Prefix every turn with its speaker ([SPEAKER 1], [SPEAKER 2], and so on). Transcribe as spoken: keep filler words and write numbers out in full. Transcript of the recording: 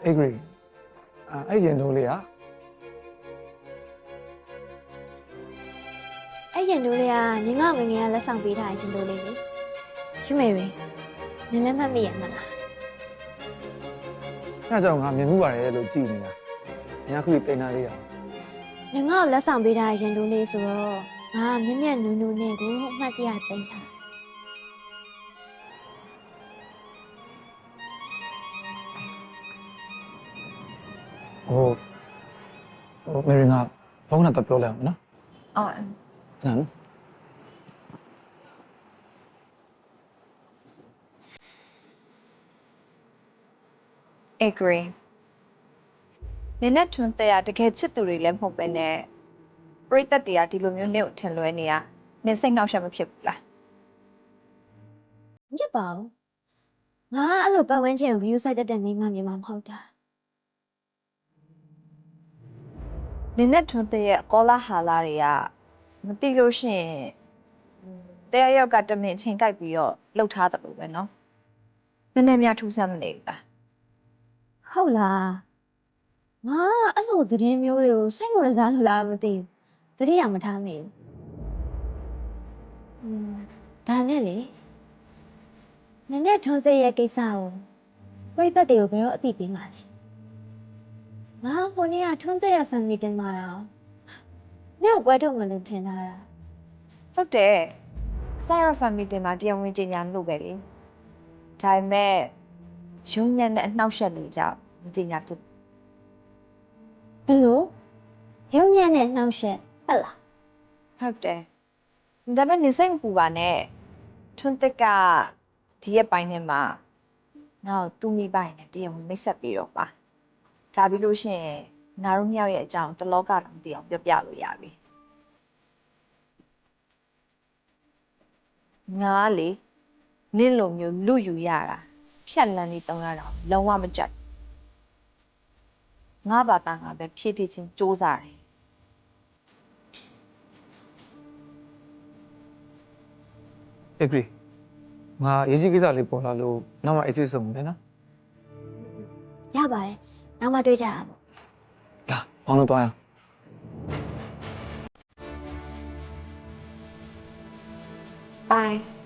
[SPEAKER 1] agree အဲ့ရင်တို့လေးอ่ะ
[SPEAKER 2] အဲ့ရင်တို့လေးကနင်ငေါငငယ်ကလက်ဆောင်ပေးထားရင်တို့လေးလေရွမေရီနင်လည်းမှတ်မိရမလား
[SPEAKER 1] အဲ့ကြောင့်ငါမြင်မှုပါတယ်လို့ကြည်နေတာ။ညာခုလေးတင်ထားလေးတာ
[SPEAKER 2] နင်ငေါလက်ဆောင်ပေးထားရင်တို့လေးဆိုတော့ငါမြက်မြက်နူးနူးနဲ့ကိုအမှတ်တရသိမ်းထား
[SPEAKER 1] ။ဟိုဟိုမေရီငါဖုန်းနဲ့တော့ပြောလိုက်အောင်နော်
[SPEAKER 3] အော်
[SPEAKER 1] ။အဲ့ဒါနော်
[SPEAKER 3] agree နင်းနဲ့ထွန်းတဲ့ရတကယ်ချစ်သူတွေလည်းမဟုတ်ပဲနဲ့ပရိသတ်တွေကဒီလိုမျိုးနေကိုထင်လွဲနေရနင်းစိတ်နှောက်ယှက်မဖြစ်ဘူးလား
[SPEAKER 2] ညစ်ပါဦးငါအဲ့လိုပတ်ဝန်းကျင်ကို view site တက်တဲ့မိန်းမမျိုးမမဟုတ်တာ
[SPEAKER 3] နင်းနဲ့ထွန်းတဲ့ရကောလာဟာလာတွေကမသိလို့ရှိရင်တဲ့ရောက်ကတမင်ချိန်ကြိုက်ပြီးတော့လှုပ်ထားတယ်လို့ပဲနော်နည်းနည်းများထူးဆန်းမနေဘူးလား
[SPEAKER 2] ဟုတ်လားငါအဲ့လိုသတင်းမျိုးတွေကိုစိတ်ဝင်စားလို့လားမသိဘူးတတိယမထားမိဘူးอืมဒါနဲ့လေနင်နဲ့ထွန်းသိရဲ့ကိစ္စကိုပြိတ္တတွေကိုဘယ်တော့အသိပေးမှာလဲငါဟိုနေ့ကထွန်းသိရဲ့ family တင်มาတော့နေ့ကိုပွဲထုတ်မလို့ထင်တာလား
[SPEAKER 3] ဟုတ်တယ်ဆိုင်ရ family တင်မှာတရားဝင်ကြီးညာလို့ပဲလေဒါပေမဲ့ရုံညံ့တဲ့အနှောက်အယှက်တွေကြောင့်မကြီးညာဖြစ်
[SPEAKER 2] ဘယ်လိုရုံညံ့နဲ့နှောက်ရှက်ဟုတ်လား
[SPEAKER 3] ဟုတ်တယ်ဒါပေမဲ့နေစိတ်မပူပါနဲ့ထွန်းတက်ကဒီရက်ပိုင်းထဲမှာငါ့ကိုသူ့မိပိုင်နဲ့တရားဝင်မိတ်ဆက်ပြီးတော့ပါဒါပြီးလို့ရှိရင်ငါတို့မြောက်ရဲ့အကြောင်းတလောကတော့မသိအောင်ပြောပြလို့ရပြီငါကလေနင့်လိုမျိုးလူယူရတာဖြတ်လန်းနေတုံးရတာလုံးဝမကြိုက်ငါဘာသာငါပဲဖြည်းဖြည်းချင်းစူးစားတယ်
[SPEAKER 1] ။ agree ငါရေးကြီးကိစ္စလေးပေါ်လာလို့နောက်မှအေးဆေးဆုံးမယ်နော်
[SPEAKER 2] ရပါတယ်နောက်မှတွေ့ကြရအောင်
[SPEAKER 1] ။လာဘောင်းလို့သွားရအောင်
[SPEAKER 3] Bye